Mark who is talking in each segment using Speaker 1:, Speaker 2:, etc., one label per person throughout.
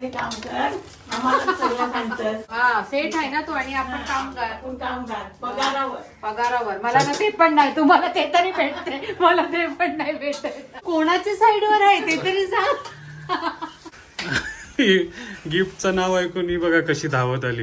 Speaker 1: काहीतरी काम कर, आम्हाला सगळं सांगतस.
Speaker 2: हा सेठ आहे ना तो आणि आपण काम कर.
Speaker 1: आपण काम कर पगारावर.
Speaker 2: पगारावर मला ना ते पण नाही, तुम्हाला ते तरी भेटते, मला ते पण नाही भेटत. कोणाच्या साईडवर आहे ते तरी सांग.
Speaker 3: गिफ्टचं नाव ऐकून ही बघा कशी धावत आली.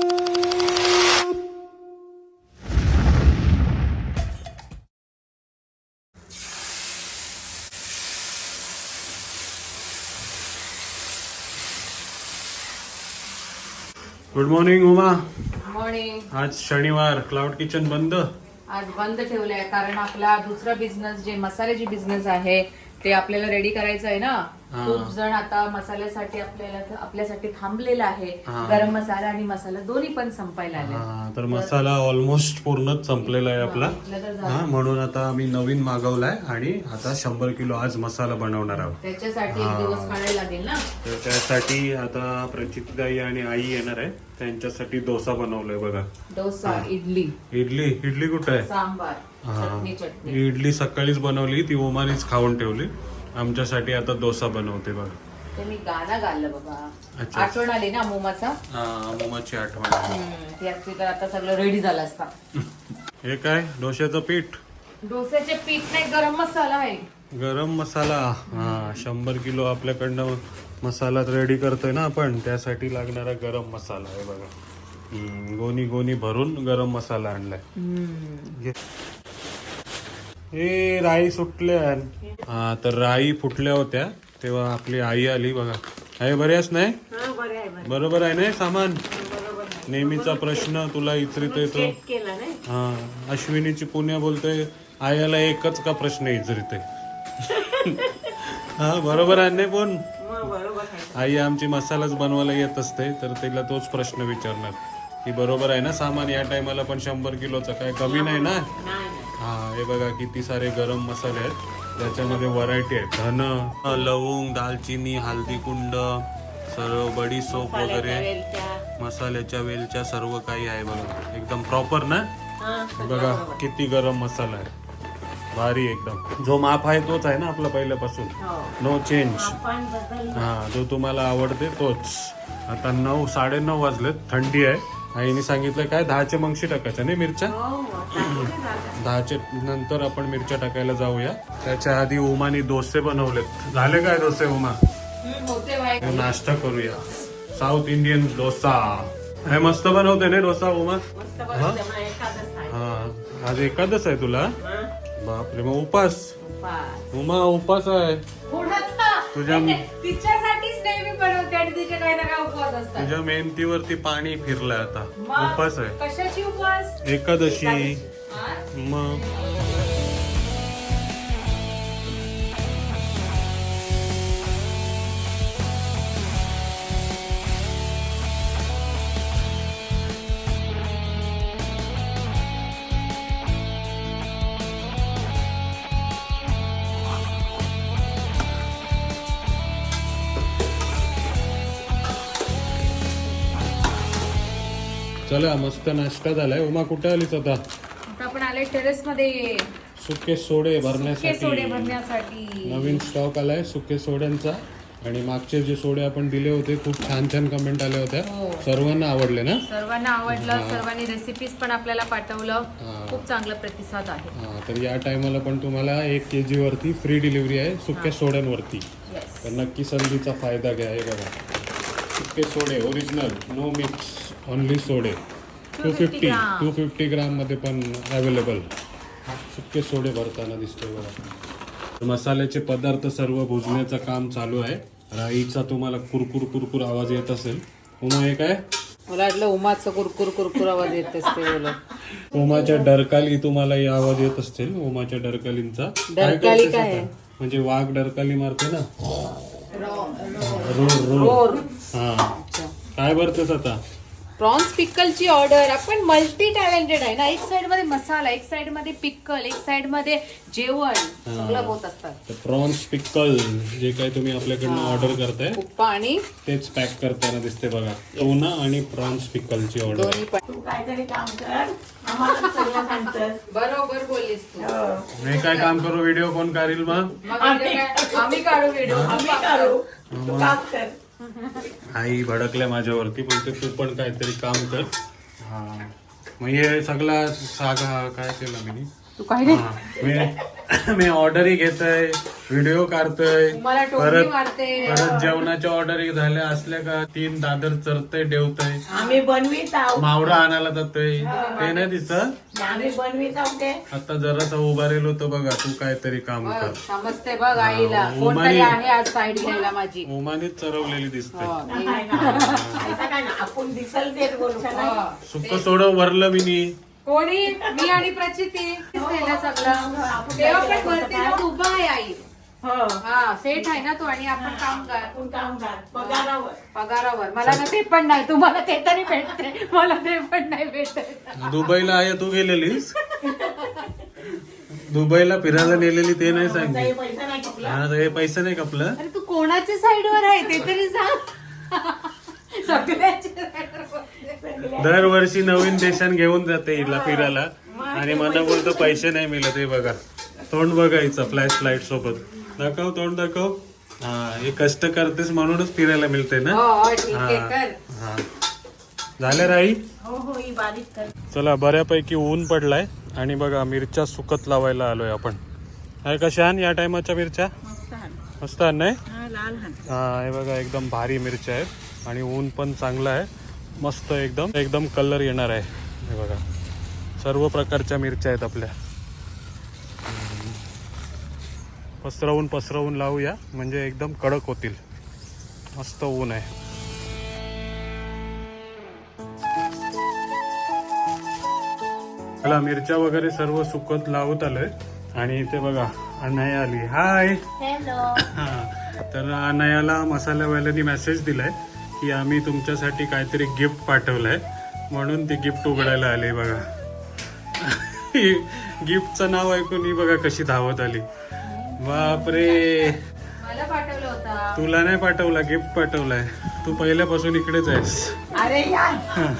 Speaker 3: Good morning Uma.
Speaker 2: मॉर्निंग.
Speaker 3: आज शनिवार, क्लाउड किचन बंद.
Speaker 2: आज बंद ठेवलंय कारण आपला दुसरा बिझनेस जे मसाल्याची बिझनेस आहे ते आपल्याला रेडी करायचं आहे ना.
Speaker 3: हा.
Speaker 2: खूप जण आता मसाल्यासाठी आपल्यासाठी थांबलेला आहे.
Speaker 3: हा.
Speaker 2: गरम मसाला आणि मसाला दोन्ही पण संपायला आले.
Speaker 3: हा, तर मसाला ऑलमोस्ट पूर्णच संपलेला आहे आपला. हा, म्हणून आता आम्ही नवीन मागवलाय आणि आता 100 किलो आज मसाला बनवणार आहोत.
Speaker 2: त्याच्यासाठी एक दिवस काढायला लागेल ना.
Speaker 3: तर त्यासाठी आता प्रचितदाई आणि आई येणार आहे, त्यांच्यासाठी डोसा बनवलाय बघा.
Speaker 2: डोसा, इडली,
Speaker 3: इडली कुठे आहे?
Speaker 2: सांबार,
Speaker 3: हा.
Speaker 2: चटणी.
Speaker 3: इडली सकाळीच बनवली, ती ओमानीच खाऊन ठेवली. आमच्यासाठी आता डोसा बनवते बघा.
Speaker 2: ते मी गाणं गाल्लं बाबा.
Speaker 3: अच्छा.
Speaker 2: आठवण आली ना मोमाचा.
Speaker 3: मोमाची आठवण.
Speaker 2: ती असती तर आता सगळं रेडी झालं असता.
Speaker 3: हे काय डोश्याचं पीठ,
Speaker 2: डोस्याचे पीठ नाही, गरम मसाला आहे.
Speaker 3: गरम मसाला. हा, 100 किलो आपल्याकडनं मसाला रेडी करतोय ना आपण, त्यासाठी लागणारा गरम मसाला आहे बघा. गोणी गोणी भरून गरम मसाला आणलाय. घे. ए राई सुटल्या. हा, तर राई फुटल्या होत्या तेव्हा आपली आई आली बघा. आहे बऱ्याच नाही? बरोबर आहे ना सामान? नेहमीचा प्रश्न तुला इचरित येतो. हा, अश्विनीची पुण्या बोलते आयाला एकच का प्रश्न इचरित आहे. हा, बरोबर आहे नाही? पण आई आमची मसालाच बनवायला येत असते, तर तिला तोच प्रश्न विचारणार की बरोबर आहे ना सामान या टायमाला पण 100 किलोचा काय कमी नाही ना. हा, हे बघा किती सारे गरम मसाले आहेत, ज्याच्यामध्ये व्हरायटी आहे. धन, लवंग, दालचिनी, हळदी कुंड, सर्व बडीशोप वगैरे, मसाल्याच्या वेलच्या, सर्व काही आहे बघा. एकदम प्रॉपर ना. बघा किती गरम मसाला आहे, भारी एकदम. जो माप आहे तोच आहे ना आपला पहिल्यापासून, नो चेंज. हा, जो तुम्हाला आवडते तोच. आता 9, 9:30 वाजलेत, थंडी आहे. आईने सांगितलं काय 10चे मगशी टाकायच्या नाही मिरच्या. 10चे नंतर आपण मिरच्या टाकायला जाऊया. त्याच्या आधी उमानी डोसे बनवलेत. झाले काय डोसे उमा? नाश्ता करूया. South Indian dosa. हे मस्त बनवते ना डोसा उमा. हा, आज एकादश आहे तुला? बापरे, मग उपास. उमा उपास आहे तुझ्या.
Speaker 2: तिच्यासाठीच नेहमी बनवते आणि तिचे काही ना काही उपवास असतात.
Speaker 3: तुझ्या मेहनतीवरती पाणी फिरलंय आता. उपास आहे.
Speaker 2: कशाची उपवास?
Speaker 3: एकादशी. मग चला, मस्त नाश्ता झालाय. उमा कुठे आलीच आता?
Speaker 2: आपण आले टेरेस मध्ये
Speaker 3: सुके सोडे भरण्यासाठी. नवीन स्टॉक आलाय सुके सोड्यांचा. आणि मागचे जे सोडे आपण दिले होते खूप छान छान कमेंट आल्या होत्या. सर्वांना आवडले ना?
Speaker 2: सर्वांना आवडलं. सर्वांनी रेसिपीज पण आपल्याला पाठवलं. खूप चांगला प्रतिसाद आहे.
Speaker 3: हा, तर या टायमाला पण तुम्हाला 1 kg वरती फ्री डिलिव्हरी आहे सुके सोड्यांवरती. तर नक्की संधीचा फायदा घ्या. हे बघा, सुके सोडे ओरिजिनल, नो मिक्स, ओनली सोडे. 250 ग्राम मध्ये पण अवेलेबल. सुके सोडे भरताना दिसतोय बघा. मसाल्याचे पदार्थ सर्व भुजण्याचं काम चालू आहे. राईचा तुम्हाला कुरकुर कुरकुर आवाज येत असेल. उमा हे काय?
Speaker 2: मला वाटलं उमाचं कुरकुर कुरकुर आवाज येत असते.
Speaker 3: उमाच्या डरकाली तुम्हाला आवाज येत असतील. उमाच्या डरकालींचा.
Speaker 2: डरकाली काय आहे?
Speaker 3: म्हणजे वाघ डरकाली मारते ना. रोर. हा, काय भरतेस आता?
Speaker 2: प्रॉन्स पिकलची ऑर्डर. आपण मल्टी टॅलेंटेड आहे ना. एक साइड मध्ये मसाला, एक साइड मध्ये पिकल, एक साइड मध्ये जेवण, सगळं होत असतात.
Speaker 3: प्रॉन्स पिकल जे काही तुम्ही आपल्याकडनं ऑर्डर करताय
Speaker 2: आणि
Speaker 3: तेच पॅक करताना दिसते बघा. टोना आणि प्रॉन्स पिकलची ऑर्डर.
Speaker 1: तू काहीतरी काम कर, आम्हाला सगळं सांगतस.
Speaker 2: बरोबर बोललीस तू.
Speaker 3: मी काय काम करू? व्हिडिओ कोण करील मग?
Speaker 2: आम्ही काढू व्हिडिओ.
Speaker 1: आम्ही करू, तू काम कर.
Speaker 3: आई भडकल्या माझ्यावरती, बोलते तू पण काहीतरी काम कर. हा मग हे सगळा सागा काय केलं मी.
Speaker 2: तू काय रे?
Speaker 3: मी ऑर्डरही घेतोय, व्हिडिओ काढतोय,
Speaker 2: मला टोपली मारते.
Speaker 3: परत जेवणाच्या ऑर्डरी झाल्या असल्या का 3 दादर चरतय डेवतय,
Speaker 1: आम्ही बनवीत आहोत.
Speaker 3: मावरा आणायला जातोय, ते नाही दिसत.
Speaker 1: आम्ही बनवीत आहोत ते.
Speaker 3: आता जरासा उभारेलो तो बघा, तू काहीतरी काम कर.
Speaker 2: समजते बघ आईला,
Speaker 3: हा,
Speaker 2: कोणतरी आहे आज साईड घ्यायला माझी.
Speaker 3: ओमानीच चरवलेली दिसते.
Speaker 1: नाही ना. असं काय ना, आपण दिसल तेच बोलू का?
Speaker 3: सुक्क सोडव वरलं मी.
Speaker 2: कोणी? मी आणि प्रचिती केलं सगळं. तेव्हा पण वरती जाऊन उभा आहे आई.
Speaker 1: हो.
Speaker 2: हा सेट आहे ना तो, आणि आपण काम कर.
Speaker 1: आपण काम कर पगारावर.
Speaker 2: पगारावर. मला ना ते पण नाही, तुम्हाला ते तरी भेटते, मला ते पण नाही भेटत.
Speaker 3: दुबईला आहे तू गेलेलीस? दुबईला फिरायला नेलेली ते नाही सांगितलं.
Speaker 1: काही पैसा नाही कपला.
Speaker 3: हा हे पैसे नाही कपलं.
Speaker 2: अरे तू कोणाच्या साईडवर आहे ते तरी सांग. सगळ्याच्या साईडवर.
Speaker 3: दरवर्षी नवीन देशात घेऊन जाते हिला फिरायला, आणि मला बोलतो पैसे नाही मिळत. हे बघा तोंड बघायचं फ्लॅश लाईट सोबत. दाखव तोंड दाखव. हा हे कष्ट करतेस म्हणूनच फिरायला मिळते ना.
Speaker 2: हो ठीक आहे कर.
Speaker 3: हा झालं राई.
Speaker 1: हो हो ही बारीक कर.
Speaker 3: चला बऱ्यापैकी ऊन पडलाय, आणि बघा मिरच्या सुकत लावायला आलोय आपण. आहे कशा आण या टायमाच्या मिरच्या? मस्त आण नाही?
Speaker 1: लाल
Speaker 3: हा हे बघा एकदम भारी मिरच्या आहेत, आणि ऊन पण चांगलं आहे. मस्त एकदम एकदम कलर येणार आहे. हे बघा सर्व प्रकारच्या मिरच्या आहेत आपल्या. पसरवून लावूया म्हणजे एकदम कडक होतील. मस्त ऊन आहे. मला मिरच्या वगैरे सर्व सुकत लावत आलोय, आणि इथे बघा अनया आली. हाय. हा तर अनयाला मसाल्यावाल्यांनी मेसेज दिलाय की आम्ही तुमच्यासाठी काहीतरी गिफ्ट पाठवलंय, म्हणून ती गिफ्ट उघडायला आली. बघा गिफ्टचं नाव ऐकून ही बघा कशी धावत आली. बापरे.
Speaker 2: मला पाठवलं होता.
Speaker 3: तुला नाही पाठवला, गिफ्ट पाठवलाय. तू पहिल्यापासून इकडेच आहेस.
Speaker 1: अरे यार.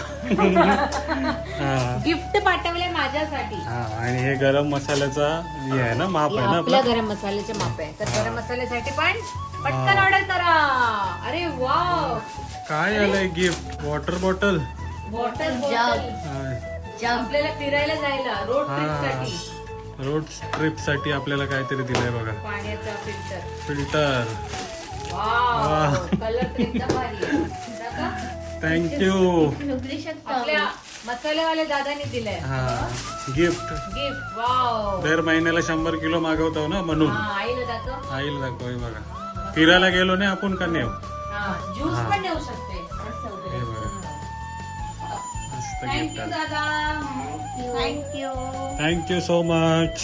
Speaker 3: हा
Speaker 2: गिफ्ट पाठवले माझ्यासाठी.
Speaker 3: हा आणि हे गरम मसाल्याचा हे आहे ना, माप आहे ना
Speaker 2: आपल्या
Speaker 3: आपलं.
Speaker 2: गरम मसाल्याचे माप आहे, तर गरम मसाल्यासाठी पण पटकन ऑर्डर करा. अरे वाव.
Speaker 3: काय आलंय गिफ्ट? Water bottle.
Speaker 2: बॉटल आपल्याला फिरायला जायला रोड ट्रिप साठी.
Speaker 3: रोड ट्रिप साठी आपल्याला काहीतरी दिलंय बघा.
Speaker 2: पाण्याचा फिल्टर.
Speaker 3: फिल्टर.
Speaker 2: वाव कलर ट्रिपचा भारी आहे. दादा,
Speaker 3: थँक्यू.
Speaker 2: आपल्या मसालेवाल्या दादानी दिलंय
Speaker 3: हा गिफ्ट.
Speaker 2: गिफ्ट. वाव.
Speaker 3: दर महिन्याला 100 किलो मागवतो ना, म्हणून
Speaker 2: हा आईला दाखव.
Speaker 3: आईला दाखव. हे बघा फिरायला गेलो नाही आपण का नेऊ.
Speaker 2: हा ज्यूस पण देऊ शकते.
Speaker 3: हे बघा मस्त गिफ्ट
Speaker 2: थँक्यू
Speaker 3: आहे.
Speaker 2: दादा. थँक्यू.
Speaker 3: Thank you so much.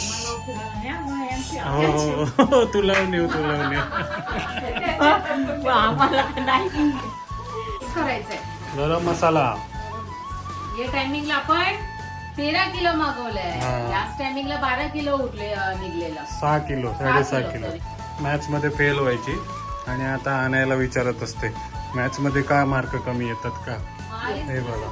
Speaker 3: हो तू लावून येऊ, तू लावून येऊ.
Speaker 1: आम्हाला नाही
Speaker 2: करायचंय.
Speaker 3: गरम मसाला.
Speaker 2: या टायमिंगला आपण 13 किलो मागवलंय.
Speaker 3: हा.
Speaker 2: लास्ट टायमिंगला 12 किलो निघलेलं.
Speaker 3: 6 किलो 6.5 किलो. मॅथ्स मध्ये फेल व्हायची, आणि आता आणायला विचारत असते मॅथ्स मध्ये का मार्क कमी येतात का. हे बघा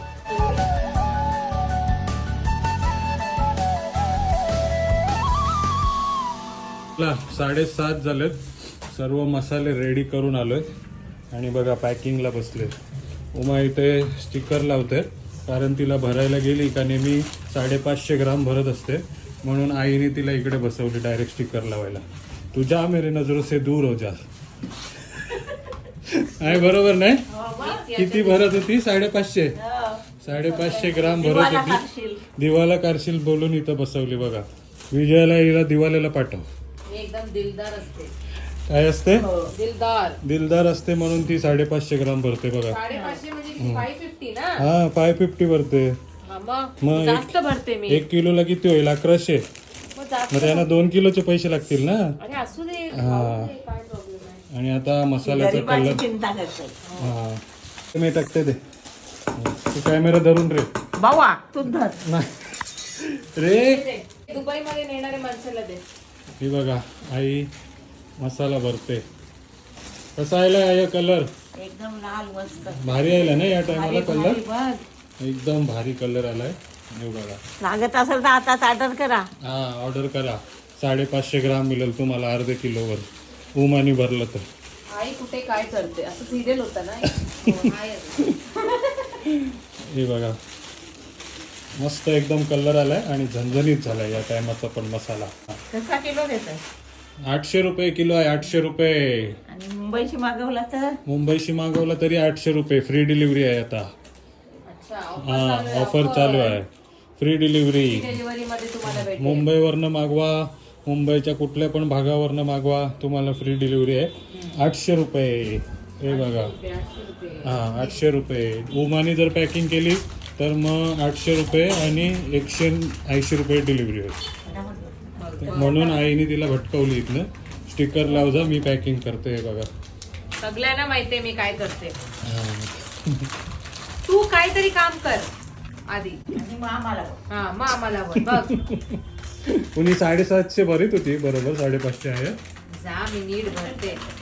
Speaker 3: ला 7:30 झालेत. सर्व मसाले रेडी करून आलोय, आणि बघा पॅकिंगला बसले. उमा इथे स्टिकर लावते, कारण तिला भरायला गेली का नेहमी 550 ग्राम भरत असते, म्हणून आईने तिला इकडे बसवली डायरेक्ट स्टिकर लावायला. तू जा मेरे नजरों से दूर हो जा. आहे बरोबर नाही? किती भरत होती? 550. 550 ग्राम भरत होती. दिवाला कारशील बोलून इथं बसवली बघा. विजयाला हिला दिवाल्याला पाठव.
Speaker 2: एकदम दिलदार असते.
Speaker 3: काय असते?
Speaker 2: दिलदार.
Speaker 3: दिलदार असते म्हणून ती 550 ग्राम भरते बघा.
Speaker 2: 550 म्हणजे 550 ना.
Speaker 3: हा 550 भरते.
Speaker 2: हा, मग
Speaker 3: मग
Speaker 2: जास्त भरते मी.
Speaker 3: 1 किलोला किती होईल? 1100.
Speaker 2: मग जास्त.
Speaker 3: मग त्यांना 2 किलोचे पैसे लागतील ना.
Speaker 2: अरे असू दे.
Speaker 3: हा.
Speaker 2: काय प्रॉब्लेम आहे.
Speaker 3: आणि आता मसाल्याचा
Speaker 1: गरिबाची
Speaker 3: कलर.
Speaker 1: चिंता करते.
Speaker 3: हा मी टाकते ते. तू कॅमेरा धरून रे.
Speaker 1: बाबा तू धर.
Speaker 3: नाही रे.
Speaker 2: दुबई मध्ये नेणारे माणसाला दे.
Speaker 3: ही बघा आई मसाला भरते. कसा आला या कलर?
Speaker 1: एकदम लाल मस्त
Speaker 3: भारी आला ना या टायमाला कलर.
Speaker 1: बघ
Speaker 3: एकदम भारी कलर आलाय. हे बघा.
Speaker 1: लागत असेल तर आताच ऑर्डर करा.
Speaker 3: हा ऑर्डर करा. 550 ग्राम मिळेल तुम्हाला अर्धे किलोवर. उमानी भरलं तर.
Speaker 2: आई कुठे काय करते असं सिरियल होतं ना. हो, आहे.
Speaker 3: हे बघा मस्त एकदम कलर आलाय आणि झणझणीत झालाय या टायमाचा पण मसाला.
Speaker 1: कसा किलो देतात
Speaker 3: 800 रुपये किलो आहे. 800 रुपये.
Speaker 1: आणि मुंबईशी मागवला तर
Speaker 3: मुंबईशी मागवला तरी 800 रुपये. फ्री डिलिव्हरी आहे आता.
Speaker 2: अच्छा
Speaker 3: हा ऑफर चालू आहे. Free delivery.
Speaker 2: डिलिव्हरी मध्ये तुम्हाला भेटेल.
Speaker 3: मुंबईवरनं मागवा, मुंबईच्या कुठल्या पण भागावरनं मागवा, तुम्हाला फ्री डिलिव्हरी आहे. 800 रुपये. हे बघा
Speaker 2: 800 रुपये.
Speaker 3: हा 800 रुपये. उमानी जर पॅकिंग केली तर मग 800 रुपये आणि 180 रुपये डिलिव्हरी होईल. म्हणून आईने तिला भटकवली इथनं. स्टिकर लाव जा, मी पॅकिंग करते. हे बघा
Speaker 2: सगळ्यांना माहितीये मी काय करते.
Speaker 3: हा.
Speaker 2: तू काहीतरी काम कर आधी.
Speaker 1: आणि मग आम्हाला
Speaker 2: हा मग आम्हाला बोल. बघ
Speaker 3: कुणी 750 भरीत होती, बरोबर 550 आहे.
Speaker 2: जा मी नीट भरते.